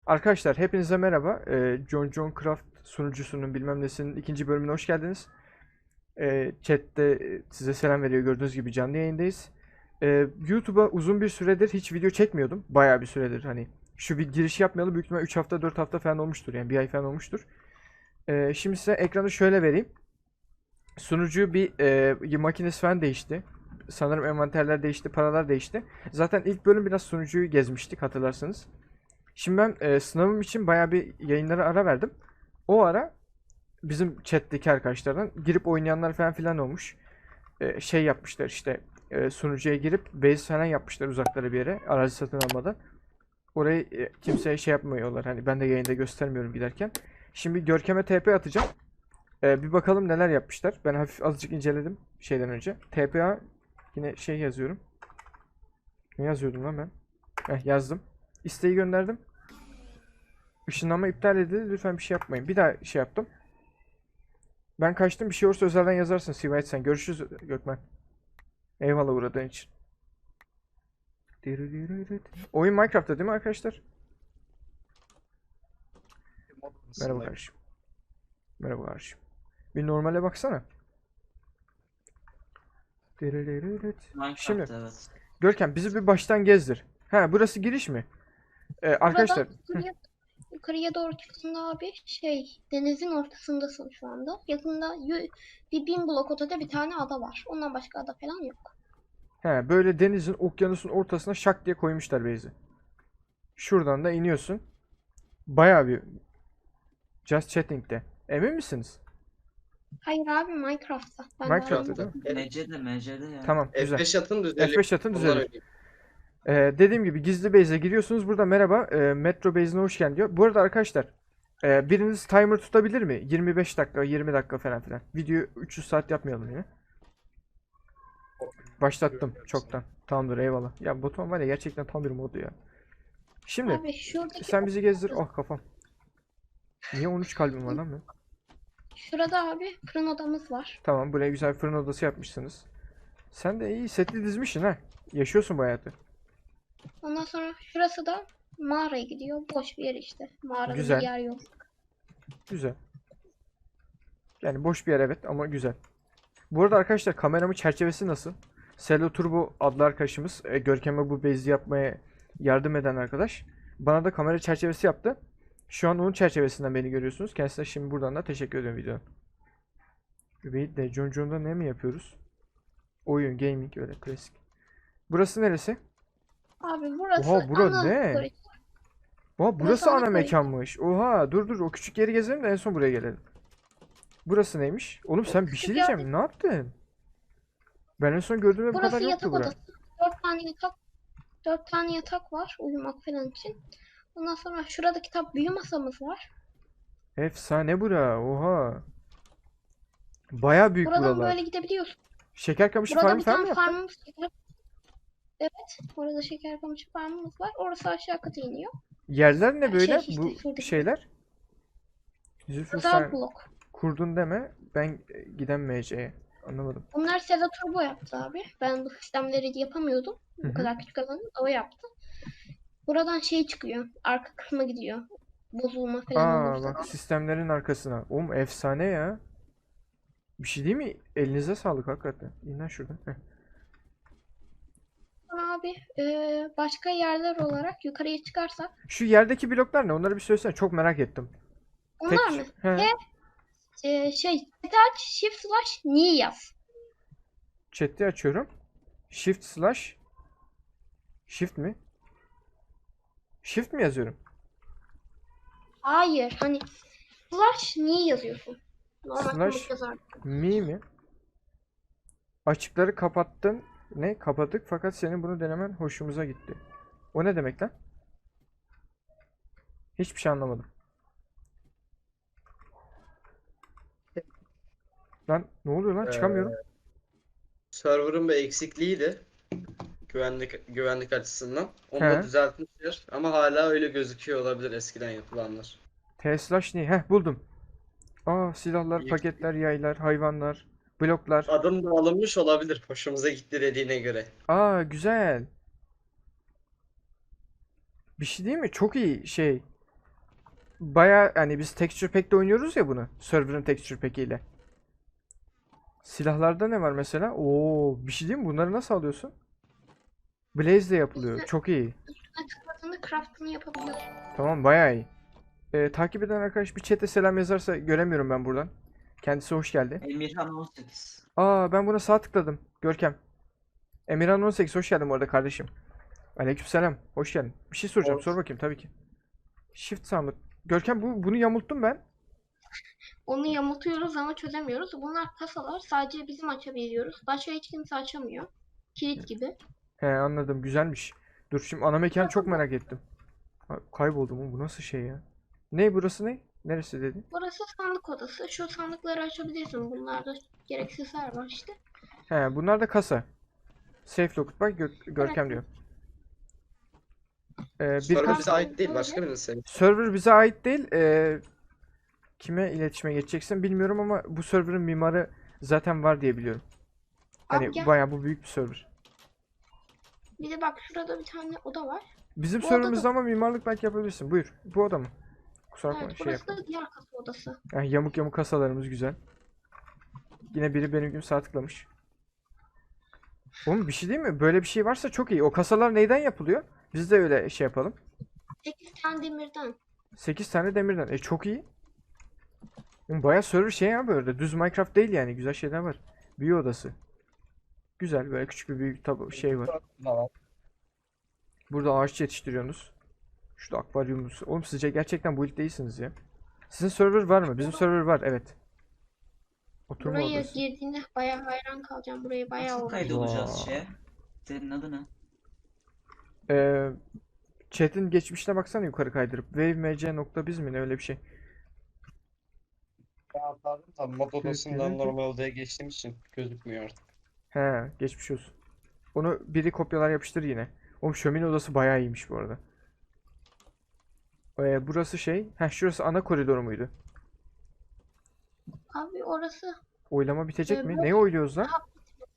Arkadaşlar hepinize merhaba. John Craft sunucusunun bilmem nesinin ikinci bölümüne hoş geldiniz. Chat'te size selam veriyor gördüğünüz gibi canlı yayındayız. YouTube'a uzun bir süredir hiç video çekmiyordum. Bayağı bir süredir hani. Şu bir giriş yapmayalı büyük ihtimal 3 hafta 4 hafta falan olmuştur yani bir ay falan olmuştur. Şimdi size ekranı şöyle vereyim. Sunucu makinesi falan değişti. Sanırım envanterler değişti, paralar değişti. Zaten ilk bölüm biraz sunucuyu gezmiştik hatırlarsanız. Şimdi ben sınavım için bayağı bir yayınlara ara verdim. O ara bizim chat'teki arkadaşlardan girip oynayanlar falan filan olmuş. Şey yapmışlar işte sunucuya girip base falan yapmışlar uzaklara bir yere arazi satın almadan. Orayı kimseye şey yapmıyorlar. Hani ben de yayında göstermiyorum giderken. Şimdi Görkem'e TP atacağım. Bir bakalım neler yapmışlar. Ben hafif azıcık inceledim şeyden önce. TPA yine şey yazıyorum. Ne yazıyordum lan ben? Yazdım. İsteği gönderdim. Işınlanma iptal edildi. Lütfen bir şey yapmayın. Bir daha şey yaptım. Ben kaçtım. Bir şey olursa özelden yazarsın Sivayet sen. Görüşürüz Gökmen. Eyvallah uğradığın için. Oyun Minecraft'ta değil mi arkadaşlar? Merhaba Modundayım. kardeşim. Merhaba kardeşim. Bir normale baksana. Şimdi Minecraft evet. Görkem bizi bir baştan gezdir. Ha burası giriş mi? Buradan Arkadaşlar yukarıya doğru çıktığında abi denizin ortasındasın şu anda. Yakında bir 1000 blok ötede bir tane ada var. Ondan başka ada falan yok. böyle denizin okyanusun ortasına şak diye koymuşlar base'i. Şuradan da iniyorsun. Bayağı bir Just Chatting'de. Emin misiniz? Hayır abi Minecraft'ta. Ben daha Minecraft'ta yeni değil mi? MC'de ya. Tamam güzel. F5 atın düzeliyor. F5 atın Ondan düzelir. öyle. Dediğim gibi gizli base'e giriyorsunuz. Burada merhaba Metro base'ine hoş geldin diyor. Bu arada arkadaşlar biriniz timer tutabilir mi? 25 dakika 20 dakika falan filan. Videoyu 300 saat yapmayalım yine. Başlattım çoktan. Tamamdır eyvallah. Ya Batuhan var ya gerçekten tam bir modu ya. Şimdi abi şuradaki sen bizi gezdir. Oh kafam. Niye 13 kalbim var lan benim? şurada abi fırın odamız var. Tamam buraya güzel fırın odası yapmışsınız. Sen de iyi setli dizmişsin ha. Yaşıyorsun bu hayatı. Ondan sonra şurası da mağaraya gidiyor. Boş bir yer işte. Mağarada bir Güzel. yer yok. Güzel. Yani boş bir yer evet ama güzel. Bu arada arkadaşlar kameramın çerçevesi nasıl? Selo Turbo adlı arkadaşımız Görkem'e bu bezi yapmaya yardım eden arkadaş. Bana da kamera çerçevesi yaptı. Şu an onun çerçevesinden beni görüyorsunuz. Kendisine şimdi buradan da teşekkür ediyorum videonun. Übeyit de John John'da ne mi yapıyoruz? Oyun, gaming öyle klasik. Burası neresi? Abi burası Oha bura ana ne? koridor. Oha Burası burası ana ana koridor. mekanmış. Oha dur o küçük yeri gezelim de en son buraya gelelim. Burası neymiş? Oğlum O sen bir şey küçük yerde diyeceğim. Ne yaptın? Ben en son gördüğümde bu kadar burası yoktu yatak bura. odası. 4 tane yatak var uyumak falan için. Ondan sonra şurada kitap büyü masamız var. Efsane bura. Oha. Baya büyük Buradan buralar. böyle gidebiliyorsun. Şeker kamışı Burada farmı bir falan mı tane yaptın? farmımız var. Evet. Orada şeker kamışı farmımız var. Orası aşağı kata iniyor. Yerler ne böyle? İşte Bu şuradaki. şeyler. Zülfü Özel sen blok. kurdun deme. Ben gidemeyeceğim. Anlamadım. Bunlar Seda Turbo yaptı abi. Ben bu sistemleri yapamıyordum. Hı Bu hı. kadar küçük alanı. O yaptı. Buradan şey çıkıyor. Arka kısma gidiyor. Bozulma falan Aa olursa. bak sistemlerin arkasına. Oğlum efsane ya. Bir şey değil mi? Elinize sağlık hakikaten. İn lan şuradan. Heh. Sonra abi başka yerler olarak yukarıya çıkarsak. Şu yerdeki bloklar ne? Onları bir söylesene. Çok merak ettim. Onlar Tek... mı? He. Chat'i aç, shift slash ni yaz. Chat'i açıyorum. Shift slash. Shift mi? Shift mi yazıyorum? Hayır, hani slash ni yazıyorsun. Normal komut Slash yazar. mi? Açıkları kapattın. Ne? Kapadık fakat senin bunu denemen hoşumuza gitti. O ne demek lan? Hiçbir şey anlamadım. Lan ne oluyor lan? Çıkamıyorum. Server'ın bir eksikliğiydi. Güvenlik açısından. Onu da He. düzeltmişler. Ama hala öyle gözüküyor olabilir eskiden yapılanlar. T slash ni. Heh buldum. Aa silahlar, İyi. paketler, yaylar, hayvanlar, bloklar. Adım da alınmış olabilir. Hoşumuza gitti dediğine göre. Aa güzel. Bir şey değil mi? Çok iyi şey. baya hani biz texture pack'te oynuyoruz ya bunu. Server'ın texture pack'iyle. Silahlarda ne var mesela? Oo, bir şey diyeyim mi? Bunları nasıl alıyorsun? Blaze de yapılıyor. Çok iyi. Üstüne tıkladığında craftını yapabiliyorsun. Tamam, bayağı iyi. Takip eden arkadaş bir chat'e selam yazarsa göremiyorum ben buradan. Kendisi hoş geldi. Emirhan 18. Aa, ben buna sağ tıkladım. Görkem. Emirhan 18 hoş geldin bu arada kardeşim. Aleykümselam. Hoş geldin. Bir şey soracağım. Hoş. Sor bakayım tabii ki. Shift sağ mı? Görkem bunu yamulttum ben. Onu yamultuyoruz ama çözemiyoruz. Bunlar kasalar. Sadece bizim açabiliyoruz. Başka hiç kimse açamıyor. Kilit gibi. He, anladım. Güzelmiş. Dur şimdi ana mekanı çok merak ettim. Ha, kayboldum oğlum. Bu nasıl şey ya? Ne burası ne? Neresi dedin? Burası sandık odası. Şu sandıkları açabilirsin. Bunlarda gereksizler var işte. He, bunlar da kasa. Safe locked bak Görkem diyor. Bir Server kasa bize ait değil, başka birinin senin. server bize ait değil. Kime iletişime geçeceksin bilmiyorum ama bu server'ın mimarı zaten var diye biliyorum. Abi Hani gel. bayağı bu büyük bir server. Bir de bak şurada bir tane oda var. Bizim Bu serverımızda odada. ama mimarlık belki yapabilirsin. Buyur. Bu oda mı? Kusura bakma Evet, şey burası yapma. da diğer kasa odası. Yani yamuk yamuk kasalarımız güzel. Yine biri benim gibi sağ tıklamış. Oğlum bir şey değil mi? Böyle bir şey varsa çok iyi. O kasalar neyden yapılıyor? Biz de öyle şey yapalım. 8 tane demirden. 8 tane demirden. Çok iyi. Oğlum bayağı server şey ya böyle. Düz Minecraft değil yani. Güzel şeyler var. Büyü odası. Güzel böyle küçük bir büyük şey var. Burada ağaç yetiştiriyorsunuz. Şurada akvaryumumuz. Oğlum sizce gerçekten bu ilk değilsiniz ya. Sizin server var mı? Bizim server var, evet. Oturma Buraya odası. girdiğinde bayağı hayran kalacağım. Burayı bayağı Nasıl uğraştım. kaydolacağız Vay. şeye? Senin adı ne? Ee, Chat'in geçmişine baksana yukarı kaydırıp. wavemc.biz mi ne öyle bir şey. Ya pardon, tabii mod odasından normal odaya geçtiğim için gözükmüyor artık. He, geçmiş olsun. Onu biri kopyalar yapıştır yine. Oğlum şömine odası bayağı iyiymiş bu arada. Burası şey. Şurası ana koridoru muydu? Abi orası Oylama bitecek mi? bu Neyi oyluyoruz lan? daha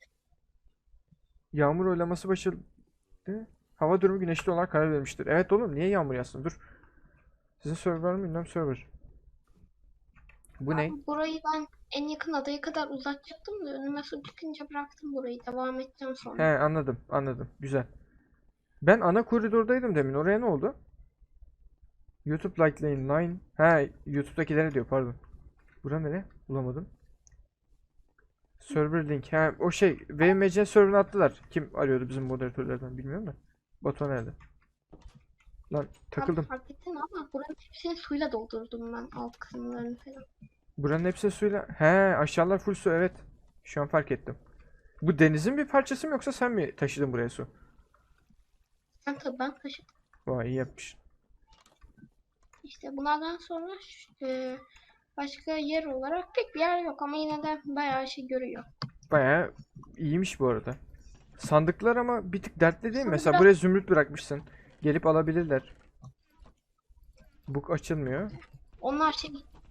Yağmur oylaması başladı. Hava durumu güneşli olarak karar vermiştir. Evet oğlum, niye yağmur yağsın? Dur. Sizin server var mı? Bilmem server. Bu ne? Abi burayı ben en yakın adaya kadar uzatacaktım da önüme su çıkınca bıraktım burayı. Devam edeceğim He, sonra. anladım. Güzel. Ben ana koridordaydım demin. Oraya ne oldu? YouTube likelayın line. He, YouTube'dakilere diyor, pardon. Bura nere? Bulamadım. Server link. He, o şey. VMC server'ını attılar. Kim arıyordu bizim moderatörlerden bilmiyorum da. Batuhan nerede? Lan Abi takıldım. fark ettin ama buranın hepsini suyla doldurdum ben alt kısımlarını falan. Buranın hepsi suyla. He, aşağılar full su, evet. Şu an fark ettim. Bu denizin bir parçası mı yoksa sen mi taşıdın buraya su? Ben taşıdım. Vay, iyi yapmışsın. İşte bunlardan sonra başka yer olarak pek bir yer yok ama yine de bayağı şey görüyor. Bayağı iyiymiş bu arada. Sandıklar ama bir tık dertli değil mi? Sonra Mesela biraz buraya zümrüt bırakmışsın. Gelip alabilirler. Bu açılmıyor. onlar şey.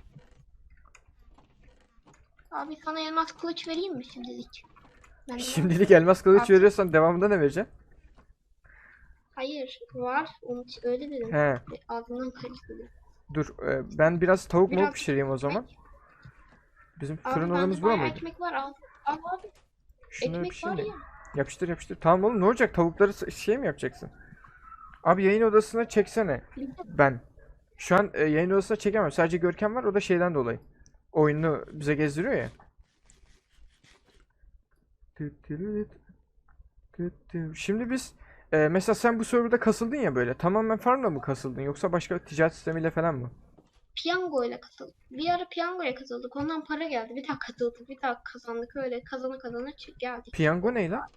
Abi sana elmas kılıç vereyim mi şimdilik? Ben de Şimdilik elmas kılıç At. veriyorsan devamında ne vereceksin? Hayır var. Onu öyle dedim. He, Ağzından karıştırdım. dur. Ben biraz tavuk mu Biraz pişireyim o zaman. ekmek. Bizim Abi fırın bende odamız bura bayağı mıydı? ekmek var. Abi Şunları ekmek var pişireyim de. ya. Yapıştır. Tamam oğlum, ne olacak? Tavukları şey mi yapacaksın? Abi yayın odasına çeksene. Bir de Ben. Şu an yayın odasına çekemem. Sadece Görkem var. O da şeyden dolayı. Oyunu bize gezdiriyor ya. Şimdi biz mesela sen bu serverda kasıldın ya böyle. Tamamen farmla mı kasıldın yoksa başka ticaret sistemiyle falan mı? piyango ile katıldık. Bir ara piyangoya katıldık. Ondan para geldi. Bir daha katıldık. Bir daha kazandık. Öyle kazana geldik. Piyango ne lan?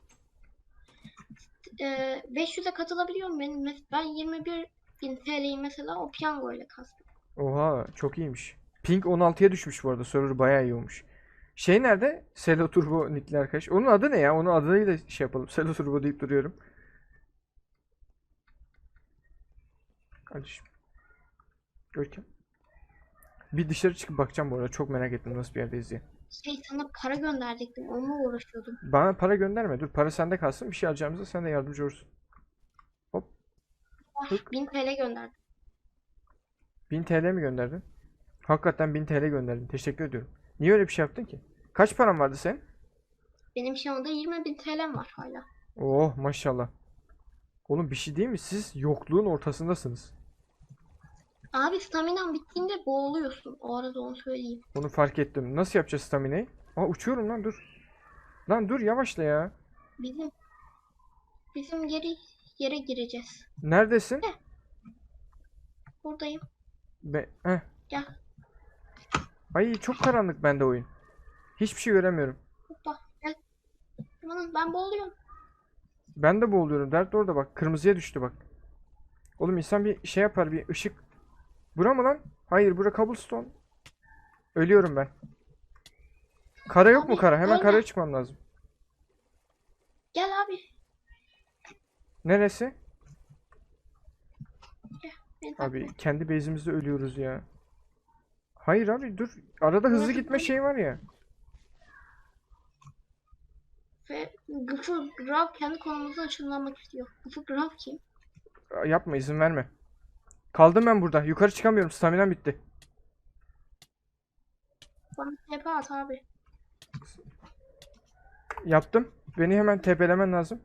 500'e katılabiliyorum benim. Ben 21.000 TL'yi mesela o piyango ile kastım. Oha, çok iyiymiş. Ping 16'ya düşmüş bu arada. Server bayağı iyi olmuş. Şey nerede? Selo Turbo nickli arkadaş. Onun adı ne ya? Onun adıyla şey yapalım. Selo Turbo deyip duruyorum. Kardeşim. Görkem. Bir dışarı çıkıp bakacağım bu arada. Çok merak ettim nasıl bir yerdeyiz diye. Sana para gönderecektim. Onunla uğraşıyordum. Bana para gönderme. Dur, para sende kalsın. Bir şey alacağımızda sen de yardımcı olursun. Hop. Var. Tık. 1000 TL gönderdim. 1000 TL mi gönderdin? Hakikaten 1000 TL gönderdin. Teşekkür ediyorum. Niye öyle bir şey yaptın ki? Kaç paran vardı senin? Benim şu anda 20.000 TL'm var hala. Oh maşallah. Oğlum bir şey değil mi? Siz yokluğun ortasındasınız. Abi staminan bittiğinde boğuluyorsun. O arada onu söyleyeyim. Onu fark ettim. Nasıl yapacağız staminayı? Aa uçuyorum lan dur. Lan dur yavaşla ya. Bizim bizim geri yere gireceğiz. Neredesin? Buradayım. Heh. Gel. Ay çok karanlık bende oyun. Hiçbir şey göremiyorum. Hoppa. Gel. Amanın ben boğuluyorum. Ben de boğuluyorum. Dert de orada bak. Kırmızıya düştü bak. Oğlum insan bir şey yapar bir ışık. Bura mı lan? Hayır bura cobblestone. Ölüyorum ben. Kara yok mu Abi, kara? Hemen ölme. karaya çıkmam lazım. Gel abi. Neresi? Gel. Beni takip Abi et. kendi base'imizde ölüyoruz ya. Hayır abi dur. Arada hızlı Burası gitme böyle. şeyi var ya. Ve Gıfır Grav kendi konumuzdan ışınlanmak istiyor. Gıfır Grav kim? Yapma izin verme. Kaldım ben burada. Yukarı çıkamıyorum. Staminam bitti. Bana TP at abi. Yaptım. Beni hemen tepelemen lazım.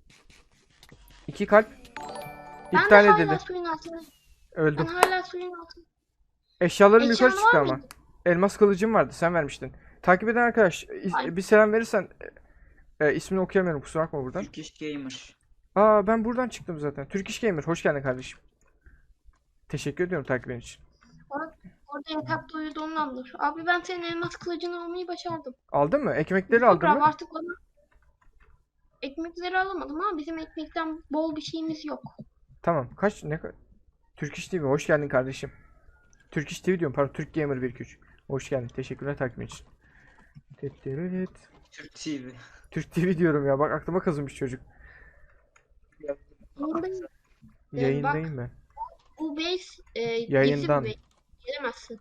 2 kalp. Ben de İptal hala edildi. suyun altında. Öldüm. Ben hala suyun altında. Eşyalarım yukarı Eşyan çıktı var ama. mıydı? Elmas kılıcım vardı. Sen vermiştin. Takip eden arkadaş Ay. bir selam verirsen ismini okuyamıyorum. Kusura bakma buradan. Turkish Gamer. Aa ben buradan çıktım zaten. Turkish Gamer. Hoş geldin kardeşim. Teşekkür ediyorum takibin için. Orada yatakta uyuduğumdandır. Abi ben senin elmas kılıcını almayı başardım. Aldın mı? Ekmekleri Gıfır aldın Grav mı? artık bana ekmekleri alamadım ama bizim ekmekten bol bir şeyimiz yok. Tamam. Kaç ne Turkish TV. Hoş geldin kardeşim. Turkish TV diyorum. Pardon. Türk Gamer 1-2-3. Hoş geldin. Teşekkürler takibin için. Tetteret. Türk TV. Türk TV diyorum ya. Bak aklıma kazınmış çocuk. Yayındayım. Yayındayım ben. Bu base Yayından. gizli bir base. Gelemezsin.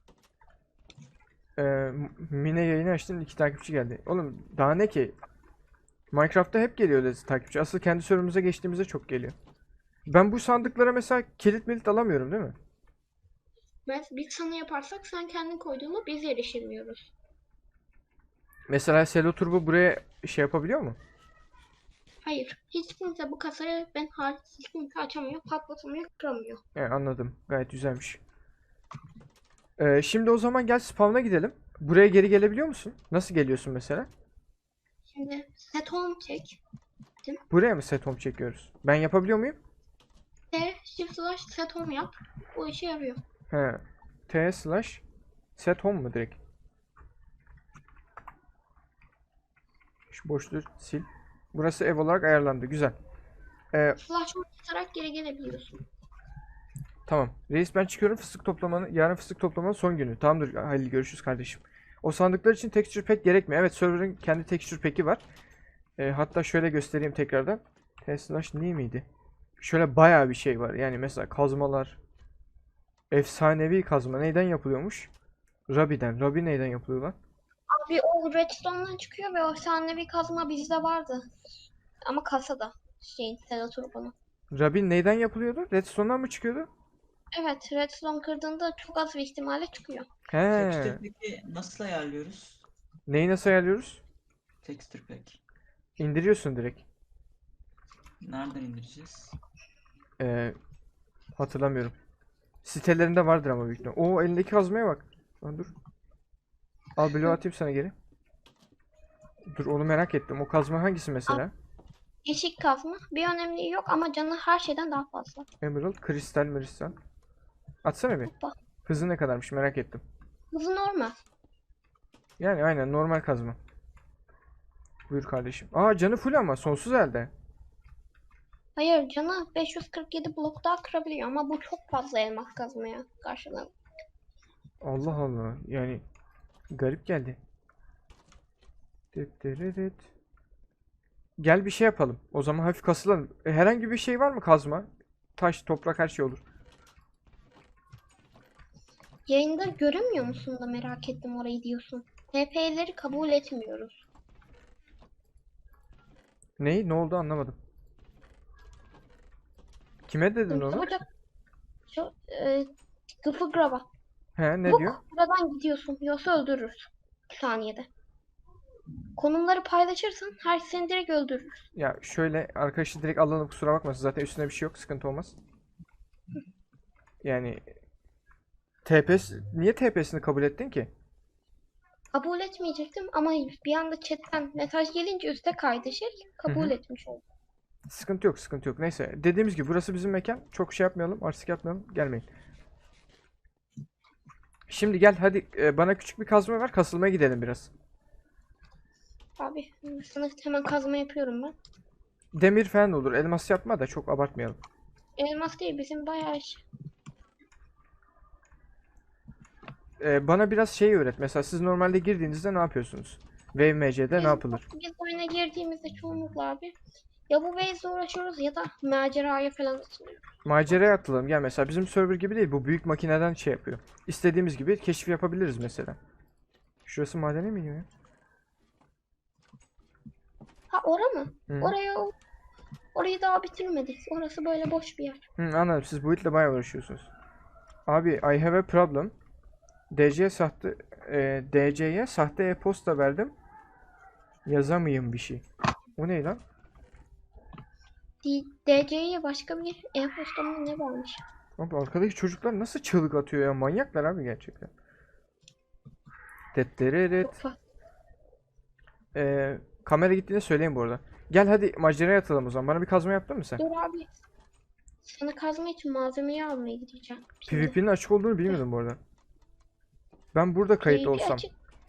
Mine yayını açtın 2 takipçi geldi. Oğlum daha ne ki? Minecraft'ta hep geliyor öyle takipçi. Asıl kendi serverımıza geçtiğimizde çok geliyor. Ben bu sandıklara mesela kilit milit alamıyorum değil mi? Biz sana yaparsak sen kendin koyduğunda biz erişemiyoruz. Mesela Selo Turbo buraya şey yapabiliyor mu? Hayır. Hiç kimse bu kasayı ben hariç hiç kimse açamıyor, patlatamıyor, kıramıyor. Anladım. Gayet güzelmiş. Şimdi o zaman gel spawn'a gidelim. Buraya geri gelebiliyor musun? Nasıl geliyorsun mesela? Şimdi set home çek. Buraya mı set home çekiyoruz? Ben yapabiliyor muyum? Shift slash set home yap. Bu işe yarıyor. He. T slash set home mu direkt? Şu boşluğu sil. Burası ev olarak ayarlandı. Güzel. Slash home tutarak geri gelebiliyorsun. Tamam. Reis ben çıkıyorum fıstık toplamanın. Yarın fıstık toplamanın son günü. Tamamdır Halil görüşürüz kardeşim. O sandıklar için texture pack gerekmiyor. Evet server'ın kendi texture pack'i var. Hatta şöyle göstereyim tekrardan. T/ne miydi? Şöyle bayağı bir şey var. Yani mesela kazmalar. Efsanevi kazma. Neyden yapılıyormuş? Ruby'den. Ruby neyden yapılıyor lan? Abi o redstone'dan çıkıyor ve o efsanevi kazma bizde vardı. Ama kasada. Sedat Turbo'nun. Ruby neyden yapılıyordu? Redstone'dan mı çıkıyordu? Evet, redstone kırdığında çok az bir ihtimalle çıkıyor. He. Texture Pack'i nasıl ayarlıyoruz? Neyi nasıl ayarlıyoruz? Texture Pack. İndiriyorsun direkt. Nereden indireceğiz? Hatırlamıyorum. Sitelerinde vardır ama büyük ihtimalle. Oo elindeki kazmaya bak. Lan dur. Al bloğu atayım sana geri. Dur onu merak ettim. O kazma hangisi mesela? Yeşil kazma. Bir önemliği yok ama canı her şeyden daha fazla. Emerald, kristal. Atsana bir. Hoppa. Hızı ne kadarmış merak ettim. Hızı normal. Yani aynen normal kazma. Buyur kardeşim. Aa canı full ama sonsuz elde. Hayır, canı 547 blok daha kırabiliyor ama bu çok fazla elmas kazmaya karşılığı. Allah Allah. Yani garip geldi. Dıt. Gel bir şey yapalım. O zaman hafif kasılalım. Herhangi bir şey var mı kazma? Taş, toprak her şey olur. Yayında göremiyor musun da merak ettim orayı diyorsun. TP'leri kabul etmiyoruz. Neyi? Ne oldu anlamadım. Kime dedin onu? Çabucak Sıfır graba. He, ne Buk, diyor? buradan gidiyorsun. Yoksa öldürürüz. 2 saniyede. Konumları paylaşırsan her seni direkt öldürür. Ya şöyle arkadaşı direkt alalım, kusura bakmasın. Zaten üstüne bir şey yok. Sıkıntı olmaz. Yani niye TP'sini kabul ettin ki? Kabul etmeyecektim ama bir anda chatten mesaj gelince üste kaydı şey. Kabul etmiş oldum. Sıkıntı yok, sıkıntı yok. Neyse, dediğimiz gibi burası bizim mekan. Çok şey yapmayalım, artistik yapmayalım. Gelmeyin. Şimdi gel hadi, bana küçük bir kazma ver, kasılmaya gidelim biraz. Abi sana hemen kazma yapıyorum ben. Demir falan olur. Elmas yapma da çok abartmayalım. Elmas değil bizim bayağı iş. Bana biraz şey öğret. Mesela siz normalde girdiğinizde ne yapıyorsunuz? WMC'de ne Biz, yapılır? biz oyuna girdiğimizde çoğunlukla abi ya bu base'le uğraşıyoruz ya da maceraya falan atılıyoruz. Maceraya atılalım. Gel mesela bizim server gibi değil. Bu büyük makineden şey yapıyor. İstediğimiz gibi keşif yapabiliriz mesela. Şurası madene mi iniyor ya? Ha ora mı? Hı. Orayı daha bitirmedik. Orası böyle boş bir yer. Anladım. Siz bu itle bayağı uğraşıyorsunuz. Abi I have a problem. DC'ye sahte e-posta verdim. Yazamayayım bir şey. O ne lan? DC'ye başka bir e-posta mı ne varmış? Abi arkadaki çocuklar nasıl çığlık atıyor ya? Manyaklar abi gerçekten. Dettereret. Çok fazla. Kamera gittiğinde söyleyin bu arada. Gel hadi maceraya atalım o zaman. Bana bir kazma yaptın mı sen? Dur abi. Sana kazma için malzemeyi almaya gideceğim. Şimdi. PvP'nin açık olduğunu bilmiyordum bu arada. Ben burada kayıt PvP olsam. açık.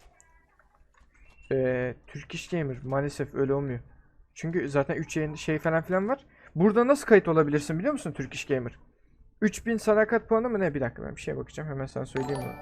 Turkish Gamer maalesef öyle olmuyor. Çünkü zaten 3 yayın şey falan filan var. Burada nasıl kayıt olabilirsin biliyor musun Turkish Gamer? 3000 sadakat puanı mı ne? Bir dakika ben bir şeye bakacağım. Hemen sana söyleyeyim bunu.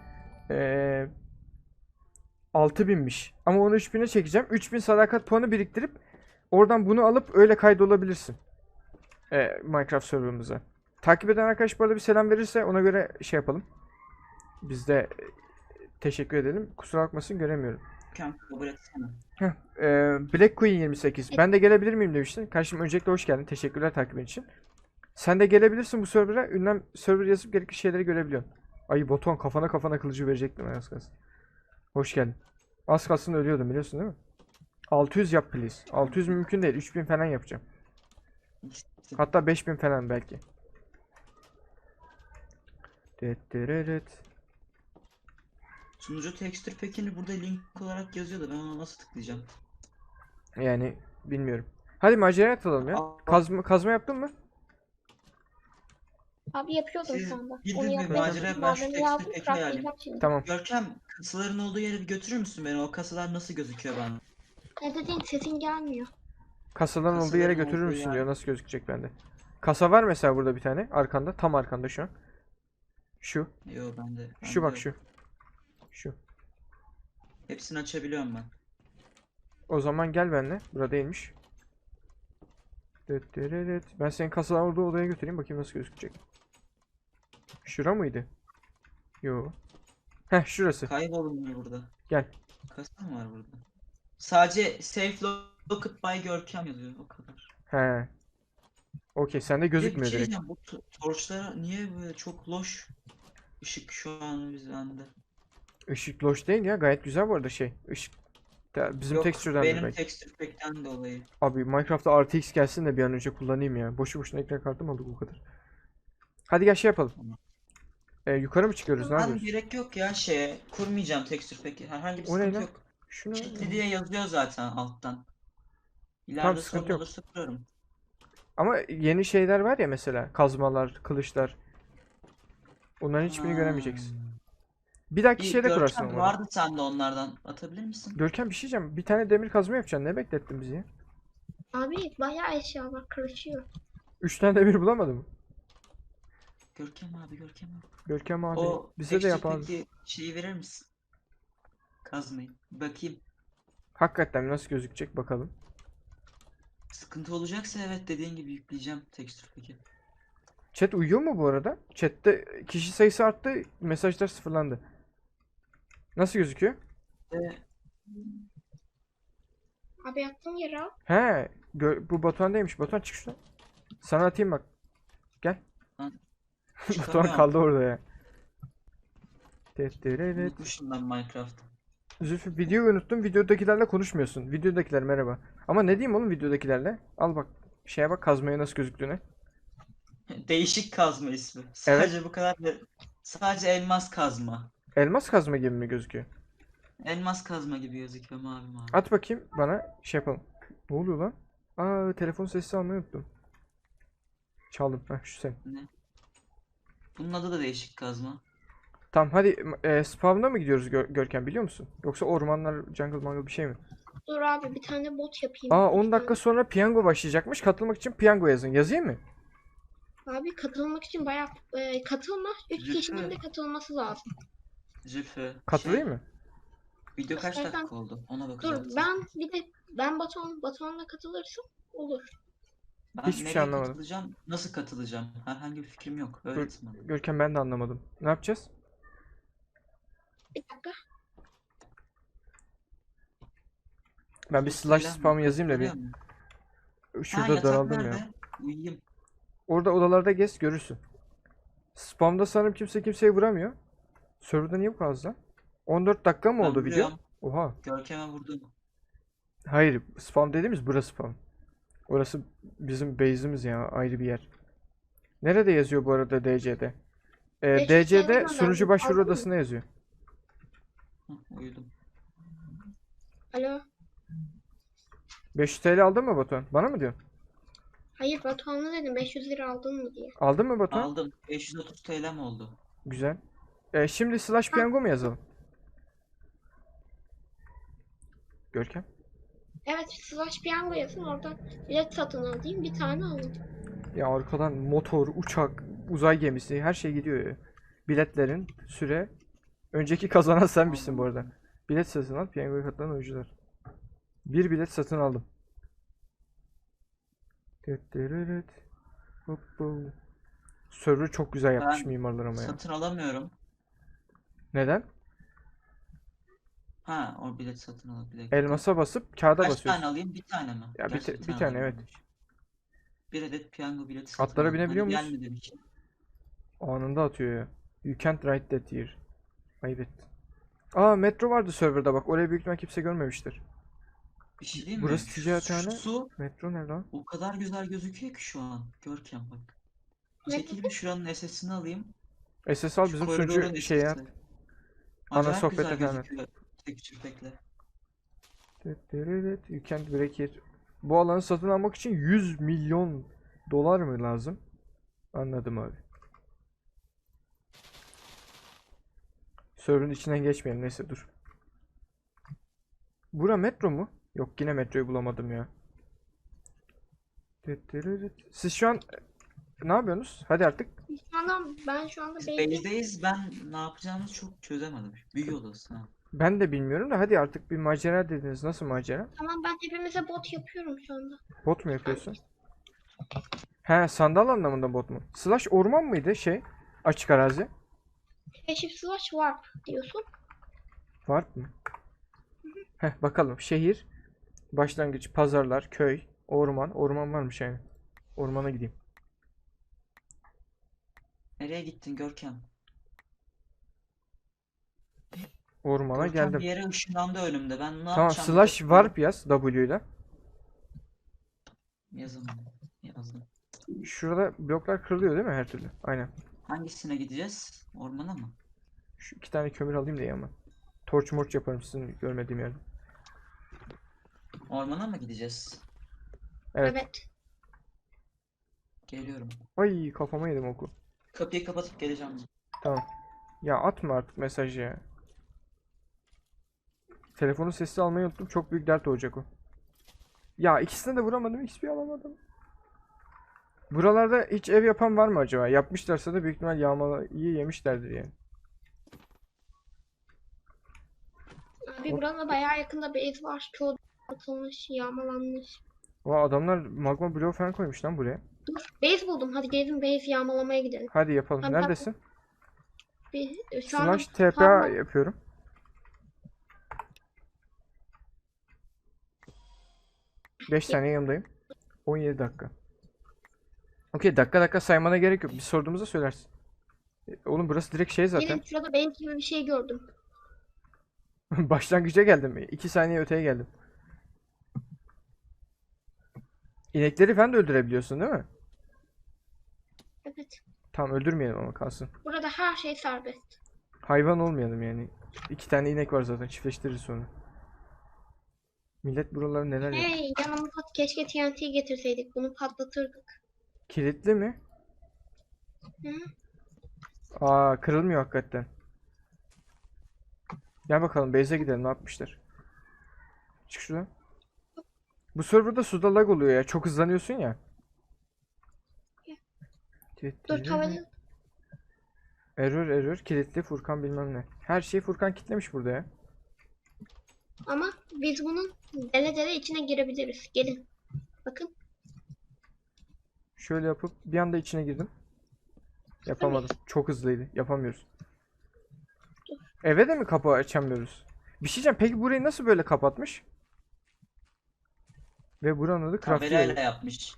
6000'miş. Ama onu 3000'e çekeceğim. 3000 sadakat puanı biriktirip oradan bunu alıp öyle kaydolabilirsin. Minecraft serverımıza. Takip eden arkadaş bu arada bir selam verirse ona göre şey yapalım. Biz de teşekkür edelim. Kusura bakmasın göremiyorum. Kanka kabul etsene. Black Queen 28. Ben de gelebilir miyim demiştin. Kardeşim öncelikle hoş geldin. Teşekkürler takibin için. Sen de gelebilirsin bu server'a. Ünlem server yazıp gerekli şeyleri görebiliyorsun. Ay Boton kafana kılıcı verecektim az kalsın. Hoş geldin. Az kalsın ölüyordum biliyorsun değil mi? 600 yap please. 600 mümkün değil. 3000 falan yapacağım. İşte Hatta 5000 falan belki. Dettereret. sunucu texture pack'ini burada link olarak yazıyordu. Ben ona nasıl tıklayacağım? Yani bilmiyorum. Hadi maceraya atalım ya. Kazma yaptın mı? Abi yapıyordum Siz şu anda. gidin Onu bir yapmaya macera, çalışıyorum. ben şu Malzemeyi aldım. tekstür peki Craftlayacağım şimdi. Tamam. Görkem, kasaların olduğu yere bir götürür müsün beni? O kasalar nasıl gözüküyor bana? Ne dediğin sesin gelmiyor. Kasaların olduğu yere Kasaların götürür olduğu müsün yer. diyor. Nasıl gözükecek bende? Kasa var mesela burada bir tane. Arkanda. Tam arkanda şu an. Şu. Yo bende. Şu bende bak yok. şu. Şu. Hepsini açabiliyorum ben. O zaman gel benimle. Burada değilmiş. Dettereret. Ben senin kasaların olduğu odaya götüreyim. Bakayım nasıl gözükecek. Şura mıydı? Yo. Heh şurası. Kaybolmuyor burada. Gel. Kasa mı var burada? Sadece safe locked by Görkem yazıyor. O kadar. He. Okey sende Bir de bir gözükmüyor şey direkt. diyeceğim. Bu torçlara niye böyle çok loş ışık şu an bizde? Işık loş değil ya. Gayet güzel bu arada şey. Işık. Ya bizim Yok, texture'dan benim belki. texture pack'ten dolayı. Abi Minecraft'ta RTX gelsin de bir an önce kullanayım ya. Boşu boşuna ekran kartım aldık bu kadar. Hadi gel şey yapalım. Tamam. Yukarı mı çıkıyoruz? Ne Ben yapıyoruz? gerek yok ya şeye. Kurmayacağım texture pack'i. Herhangi bir O ne sıkıntı lan? yok. Şunu. Kilitli diye yazıyor zaten alttan. Tamam, İleride sıkıntı sorun yok. olursa kurarım. Ama yeni şeyler var ya mesela. Kazmalar, kılıçlar. Onların hiçbirini Ha. göremeyeceksin. Bir dahaki Bir şeyde kurarsın Görkem onları. vardı sende onlardan. Atabilir misin? Görkem bir şey diyeceğim. Bir tane demir kazma yapacaksın. Ne beklettin bizi ya? Abi bayağı eşya var. Karışıyor. 3 tane demir bulamadın mı? Görkem abi, Görkem abi. Görkem abi. O Bize de yap texture abi. pack'i şeyi verir misin? Kazmayı. Bakayım. Hakikaten nasıl gözükecek bakalım. Sıkıntı olacaksa evet dediğin gibi yükleyeceğim texture pack'i. Chat uyuyor mu bu arada? Chat'te kişi sayısı arttı. Mesajlar sıfırlandı. Nasıl gözüküyor? Ve Abi yattığım yere al. He. Bu Batuhan değilmiş. Batuhan çık şuradan. Sana atayım bak. Gel. Lan, Batuhan çıkamıyorum. kaldı orada ya. Evet. Unutmuşum ben Minecraft'ı. Zülfü videoyu unuttum. Videodakilerle konuşmuyorsun. Videodakiler merhaba. Ama ne diyeyim oğlum videodakilerle? Al bak. Şeye bak kazmaya nasıl gözüktüğüne. Değişik kazma ismi. Evet. Sadece bu kadar. Sadece elmas kazma. Elmas kazma gibi mi gözüküyor? Elmas kazma gibi gözüküyor mavi mavi. At bakayım bana şey yapalım. Ne oluyor lan? Aa telefon sesi almayı unuttum. Çaldım. Heh şu sen. Ne? Bunun adı da değişik kazma. Tamam hadi spawn'a mı gidiyoruz Görkem biliyor musun? Yoksa ormanlar jungle mangle bir şey mi? Dur abi bir tane bot yapayım. Aa 10 lütfen. dakika sonra piyango başlayacakmış. Katılmak için piyango yazın. Yazayım mı? Abi katılmak için bayağı katılma. 3 Zülfü. kişinin de katılması lazım. Zülfü. Katılayım mı? Video kaç İstersen- dakika oldu? Ona Dur bakacağız. ben Batuhan'la katılırsam olur. Ben Hiçbir şey nereye anlamadım. katılacağım? Nasıl katılacağım? Herhangi bir fikrim yok. Öğretmen. Görkem ben de anlamadım. Ne yapacağız? Bir dakika. Ben bir slash spam yazayım da bir. Görüyor musun? Ha, Şurada yatak daraldım ya. nerede? Uyuyayım. Orada odalarda gez görürsün. Spamda sanırım kimse kimseye vuramıyor. Serverda niye bu kadar az lan? 14 dakika mı Ben oldu video? vuruyorum. Oha. Görkem'e vurdum. Hayır, spam dediğimiz burası spam. Orası bizim base'imiz ya, ayrı bir yer. Nerede yazıyor bu arada DC'de? 500 DC'de TL sunucu gönderdim. başvuru Aldın mı? odasına yazıyor. Uyudum. Alo. 500 TL aldın mı Batuhan? Bana mı diyorsun? Hayır Batuhan'a dedim 500 lira aldın mı diye. Aldın mı Batuhan? Aldım. 530 TL mi oldu? Güzel. Şimdi slash piyango mu yazalım? Görkem? Evet slash piyango yazın oradan bilet satın alayım bir tane alın. Ya arkadan motor, uçak, uzay gemisi her şey gidiyor ya. Biletlerin süre. Önceki kazanan senmişsin bu arada. Bilet satın al, piyangoya katılan oyuncular. Bir bilet satın aldım. Evet. Hoppa. Server çok güzel yapmış Ben mimarlar ama ya. Satın alamıyorum. Neden? Ha, o bilet satın alabilir. Elmasa basıp kağıda Kaç basıyorsun. tane alayım? Bir tane mi? Ya Gerçi bir tane evet. alayım. Bir adet piyango bileti satın Atlara aldım. binebiliyor Hani muyuz? gelmediğim için. Anında atıyor ya. You can't write that here. Ayıp ettin. Aa metro vardı serverda bak. Orayı büyük ihtimal kimse görmemiştir. Bir şey diyeyim mi? Burası ticarethane. Şu su Metro nerede lan? o kadar güzel gözüküyor ki şu an. Görkem bak. Ne Çekil bir şuranın SS'ini alayım. SS al Şu bizim koridorun sunucu şey ya. SS'i. Ana Acayip sohbete güzel falan. gözüküyor. Tek çırpekle. You can't break it. Bu alanı satın almak için 100 milyon dolar mı lazım? Anladım abi. Server'ın içinden geçmeyelim neyse dur. Bura metro mu? Yok yine metroyu bulamadım ya. Siz şu an ne yapıyorsunuz? Hadi artık. Ben şu anda Biz belli. base'deyiz. Ben ne yapacağımızı çok çözemedim. Büyü odası ha. Ben de bilmiyorum da hadi artık bir macera dediniz. Nasıl macera? Tamam ben hepimize bot yapıyorum şu anda. Bot mu yapıyorsun? He sandal anlamında bot mu? Slash orman mıydı şey? Açık arazi. Keşif slash warp diyorsun. Var mı? Heh bakalım. Şehir, başlangıç, pazarlar, köy, orman. Orman varmış yani. Ormana gideyim. Nereye gittin Görkem? Ormana Görkem geldim. bir yere ışınlandı önümde. Ben ne Tamam yapacağım? slash warp yaz W ile. Yazın. Yazdım. Şurada bloklar kırılıyor değil mi her türlü? Aynen. Hangisine gideceğiz? Ormana mı? Şu iki tane kömür alayım da ama. Torç morç yaparım sizin görmediğim yerde. Ormana mı gideceğiz? Evet. Evet. Geliyorum. Ay kafama yedim oku. Kapıyı kapatıp geleceğim. Tamam. Ya atma artık mesajı ya. Telefonun sesi almayı unuttum. Çok büyük dert olacak o. Ya ikisine de vuramadım. XP alamadım. Buralarda hiç ev yapan var mı acaba? Yapmışlarsa da büyük ihtimal yağmayı yemişlerdir yani. Abi burada bayağı yakında base var. Çoğu atılmış, yağmalanmış. Vay adamlar magma bloğu falan koymuş lan buraya. Dur, base buldum. Hadi gelin base yağmalamaya gidelim. Hadi yapalım. Tabii, Neredesin? Şu anda Slash TPA parmak- yapıyorum. Beş saniye yanımdayım. 17 dakika. Okey dakika saymana gerek yok. Biz sorduğumuzda söylersin. Oğlum burası direkt şey zaten. Gelin şurada benim gibi bir şey gördüm. Başlangıca geldim. 2 saniye öteye geldim. İnekleri falan da öldürebiliyorsun değil mi? Evet. Tamam öldürmeyelim ama kalsın. Burada her şey serbest. Hayvan olmayalım yani. 2 tane inek var zaten çiftleştiririz sonra. Millet buraları neler yapıyor. Hey yanımıza keşke TNT getirseydik. Bunu patlatırdık. Kilitli mi? Hı? Aa kırılmıyor hakikaten. Gel bakalım base'e gidelim ne yapmışlar. Çık şuradan. Bu serverda suda lag oluyor ya. Çok hızlanıyorsun ya. Dur tavayı. Error kilitli Furkan bilmem ne. Her şeyi Furkan kilitlemiş burada ya. Ama biz bunun dele dele içine girebiliriz. Gelin. Bakın. Şöyle yapıp bir anda içine girdim. Yapamadım. Çok hızlıydı. Yapamıyoruz. Eve de mi kapı açamıyoruz? Bir şey diyeceğim. Peki burayı nasıl böyle kapatmış? Ve buranın adı Crafty Kamerayla evi. yapmış.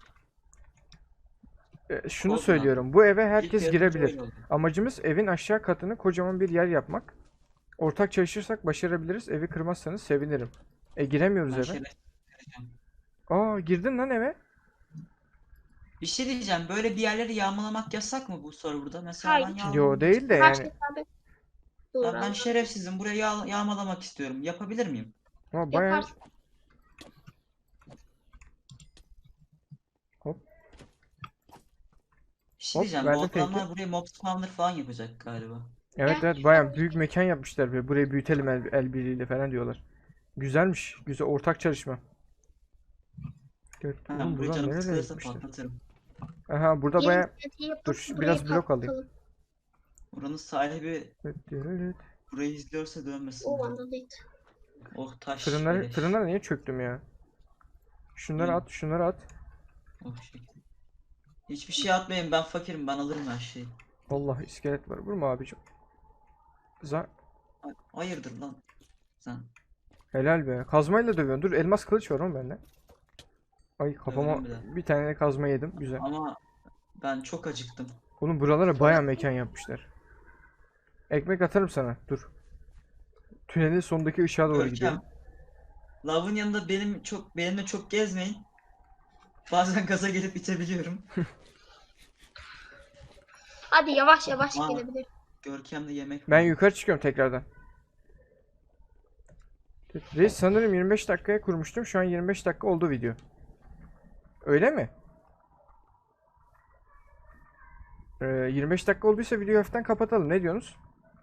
Şunu Oldu söylüyorum. Bu eve herkes İlk girebilir. yaratıcı öyle oldu. Amacımız evin aşağı katını kocaman bir yer yapmak. Ortak çalışırsak başarabiliriz. Evi kırmazsanız sevinirim. Giremiyoruz Ben eve. şeref vereceğim. Aa girdin lan eve. Bir şey diyeceğim. Böyle bir yerleri yağmalamak yasak mı bu serverda? Mesela Hayır. ben Yo yağmalamak değil de Her yani. şey serbest. Dur Ben abi. şerefsizim. Burayı yağmalamak istiyorum. Yapabilir miyim? Ama bayağı Yaparsın. hop Bir şey Hop, diyeceğim. Bu verdim adamlar fake'i. buraya mob spawner falan yapacak galiba. evet Gel, evet bayağı büyük mekan yapmışlar ve burayı büyütelim el birliğiyle falan diyorlar. Güzelmiş. Güzel ortak çalışma. Evet, Ben oğlum burayı buradan canım nerelere sıkılırsa gitmişler? patlatırım. Aha burada Gelin bayağı TNT yapıp dur burayı biraz blok alayım. patlatalım. Buranın sahibi Evet. burayı izliyorsa dönmesin. O anda değil. Oh taş Fırınları, beleş. fırınlara niye çöktüm ya? Şunları İyi. at, şunları at. Oh şey. Hiçbir şey atmayın, ben fakirim, ben alırım her şeyi. Allah iskelet var. Vurma abicim. Za Hayırdır lan sen? Helal be. Kazmayla dövüyorsun. Dur elmas kılıç var oğlum bende. Ay kafama Döverim bir de. bir tane kazma yedim. Güzel. Ama ben çok acıktım. Oğlum buralara bayağı mekan yapmışlar. Ekmek atarım sana. Dur. Tünelin sondaki ışığa doğru gidiyorum. Görkem. Lavın yanında benimle çok gezmeyin. Bazen gaza gelip itebiliyorum. Hadi yavaş yavaş Aa. gelebilir. Görkem'de yemek Ben var. yukarı çıkıyorum tekrardan. Reis sanırım 25 dakikaya kurmuştum. Şu an 25 dakika oldu video. Öyle mi? 25 dakika olduysa videoyu hafiften kapatalım. Ne diyorsunuz?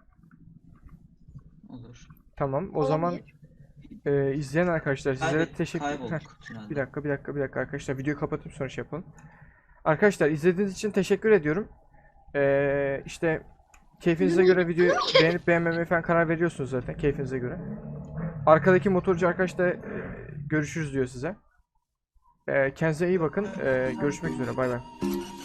Olur. Tamam. O zaman izleyen arkadaşlar sizlere teşekkür Heh, Kaybolduk tünelde. bir dakika arkadaşlar. Videoyu kapatıp sonra şey yapalım. Arkadaşlar izlediğiniz için teşekkür ediyorum. İşte keyfinize göre videoyu beğenip beğenmemeye falan karar veriyorsunuz zaten keyfinize göre. Arkadaki motorcu arkadaş da görüşürüz diyor size. Kendinize iyi bakın. Görüşmek üzere. Bay bay.